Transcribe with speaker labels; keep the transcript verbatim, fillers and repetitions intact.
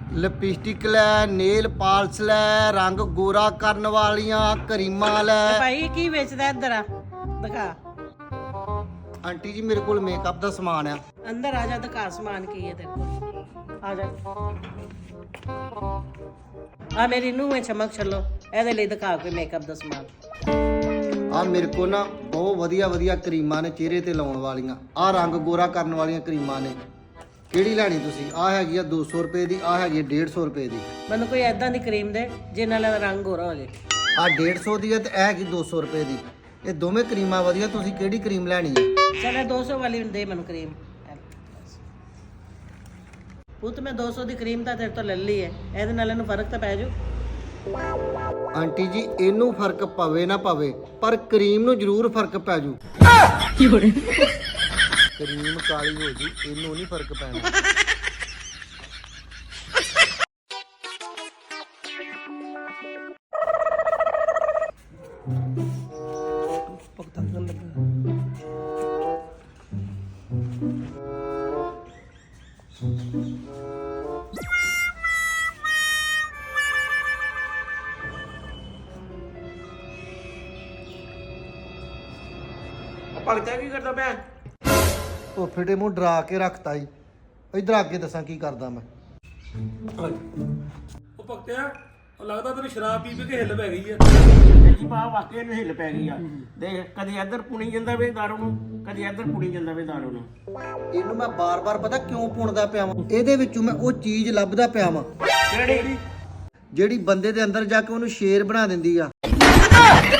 Speaker 1: Lipstick लै, nail polish लै, रंग गोरा करन वालियां क्रीमां लै।
Speaker 2: भाई की बेचदा इधर आ दिखा।
Speaker 1: आंटी जी मेरे कोल मेकअप दा समान है।
Speaker 2: अंदर आ जा, दिखा समान की है तेरे को। आ जा आ मेरी नूंह है चमक छलो ਇਹਦੇ ਲਈ ਦਿਖਾ ਕੋਈ ਮੇਕਅਪ ਦਾ ਸਮਾਨ।
Speaker 1: ਆ ਮੇਰੇ ਕੋਲ ਨਾ ਬਹੁਤ ਵਧੀਆ ਵਧੀਆ ਕਰੀਮਾਂ ਨੇ ਚਿਹਰੇ ਤੇ ਲਾਉਣ ਵਾਲੀਆਂ। ਆ ਰੰਗ ਗੋਰਾ ਕਰਨ ਵਾਲੀਆਂ ਕਰੀਮਾਂ ਨੇ। ਕਿਹੜੀ ਲੈਣੀ ਤੁਸੀਂ? ਆ ਹੈਗੀ ਆ ਦੋ ਸੌ ਰੁਪਏ ਦੀ, ਆ ਹੈਗੀ ਡੇਢ ਸੌ ਰੁਪਏ ਦੀ।
Speaker 2: ਮੈਨੂੰ ਕੋਈ ਐਦਾਂ ਦੀ ਕਰੀਮ ਦੇ ਜਿਹਦੇ ਨਾਲ ਰੰਗ ਗੋਰਾ ਹੋ ਜਾਏ।
Speaker 1: ਆ ਡੇਢ ਸੌ ਦੀ ਹੈ ਤੇ ਇਹ ਹੈਗੀ ਦੋ ਸੌ ਰੁਪਏ ਦੀ। ਇਹ ਦੋਵੇਂ ਕਰੀਮਾਂ ਵਧੀਆ। ਤੁਸੀਂ ਕਿਹੜੀ ਕਰੀਮ ਲੈਣੀ ਹੈ?
Speaker 2: ਚਲ ਦੋ ਸੌ ਵਾਲੀ ਦੇ ਮੈਨੂੰ ਕਰੀਮ। ਪੁੱਤ ਮੈਂ ਦੋ ਸੌ ਦੀ ਕਰੀਮ ਤਾਂ ਤੇਰੇ ਤੋਂ ਲੈ ਲਈ ਹੈ, ਇਹਦੇ ਨਾਲ ਇਹਨੂੰ ਫਰਕ ਤਾਂ ਪੈ ਜਾਊ।
Speaker 1: ਆਂਟੀ ਜੀ ਇਹਨੂੰ ਫਰਕ ਪਵੇ ਨਾ ਪਵੇ ਪਰ ਕਰੀਮ ਨੂੰ ਜ਼ਰੂਰ ਫਰਕ ਪੈ ਜੂ। ਕਰੀਮ ਕਾਲੀ ਹੋ ਜੂ, ਇਹਨੂੰ ਨਹੀਂ ਫਰਕ ਪੈਣਾ।
Speaker 3: ਭਗਤਾ ਕੀ ਕਰਦਾ ਪਿਆ?
Speaker 1: ਉਹ ਫਿੱਟੇ ਮੂੰਹ ਡਰਾ ਕੇ ਰੱਖਤਾ ਜੀ। ਇਧਰ ਅੱਗੇ ਦੱਸਾਂ ਕੀ ਕਰਦਾ ਮੈਂ।
Speaker 3: ਉਹ ਭਗਤਿਆ ਉਹ ਲੱਗਦਾ ਤੈਨੂੰ ਸ਼ਰਾਬ ਪੀ ਪੀ ਕੇ ਹਿੱਲ ਪੈ ਗਈ ਆ।
Speaker 4: ਜੀ ਬਾ ਵਾਕਿਆ ਨੂੰ ਹਿੱਲ ਪੈ ਗਈ ਆ। ਦੇਖ ਕਦੀ ਇੱਧਰ ਪੁਣੀ ਜਾਂਦਾ ਵੇ ਦਾਰੂ ਨੂੰ, ਕਦੀ ਇੱਧਰ ਪੁਣੀ ਜਾਂਦਾ ਵੇ ਦਾਰੂ ਨੂੰ।
Speaker 1: ਇਹਨੂੰ ਮੈਂ ਬਾਰ-ਬਾਰ ਪਤਾ ਕਿਉਂ ਪੁਣਦਾ ਪਿਆ ਵਾਂ? ਇਹਦੇ ਵਿੱਚੋਂ ਮੈਂ ਉਹ ਚੀਜ਼ ਲੱਭਦਾ ਪਿਆ ਵਾਂ
Speaker 4: ਕਿਹੜੀ?
Speaker 1: ਜਿਹੜੀ ਬੰਦੇ ਦੇ ਅੰਦਰ ਜਾ ਕੇ ਉਹਨੂੰ ਸ਼ੇਰ ਬਣਾ ਦਿੰਦੀ ਆ।